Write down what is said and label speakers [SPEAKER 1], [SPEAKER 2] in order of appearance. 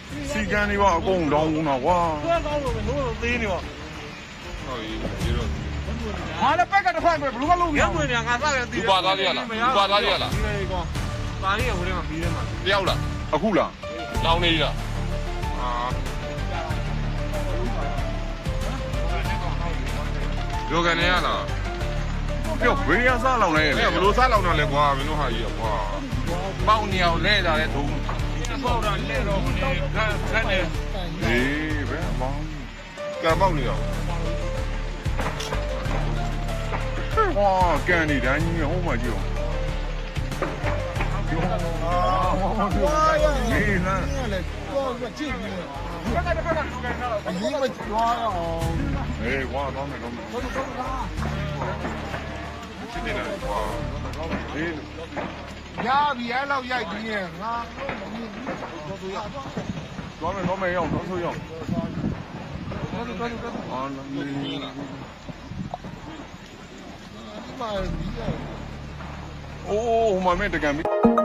[SPEAKER 1] စီကန်းတွေပါအကုန်တောင်းကုန်တာကွာ
[SPEAKER 2] ဆွဲကောင်းလို့ပဲလို့သေးနေပါ
[SPEAKER 3] ဟုတ်ပြီဒီတော့
[SPEAKER 2] ဟာလည်းပက်ကတစ်ဖက်ပဲဘလူးကလုံးရဝင်နေငါစရသေး
[SPEAKER 3] လူပါသားလေးရလားလူပါသားလေးရလား
[SPEAKER 2] ဒီလေကောပါလေးကဝင်မှာပြီးတယ်မှာ
[SPEAKER 3] တယောက်လား
[SPEAKER 1] အခုလား
[SPEAKER 3] လောင်းနေလားအာ ယောဂန်နေရလား
[SPEAKER 1] ပြောဘေးရစားလောင်နေ
[SPEAKER 3] အဲ့
[SPEAKER 1] လေ
[SPEAKER 3] ဘလို့စားလောက်တော့လဲကွာမင်းတို့ဟာကြီးကွာပေါင်းနေအောင်လဲတာလဲဒုံ
[SPEAKER 2] ပေါ့တာလဲတော့နေခက်နေ
[SPEAKER 1] အေးဘယ်မောင်း
[SPEAKER 3] ကံပေါက်နေအောင်
[SPEAKER 1] ဝါကန်နေတိုင်းကြီးဟိုမှာကြည့်အောင်ဝါရအေးလား
[SPEAKER 2] ပက်ကတစ်ဖက်ကလူကန်တော့
[SPEAKER 1] အေးဝါတော့မယ်တော့မယ်
[SPEAKER 3] ဖြစ်နေတာကွာ
[SPEAKER 1] အေး
[SPEAKER 2] ရပြီအဲ့လောက်ရိုက်ပြီးရင်ငါ
[SPEAKER 1] တော့မယ်ရောက်တော့ဆိုရောက်
[SPEAKER 2] တော်တော်တော်
[SPEAKER 1] အာလေအိုးဟိုမှာမဲ့တကံမီ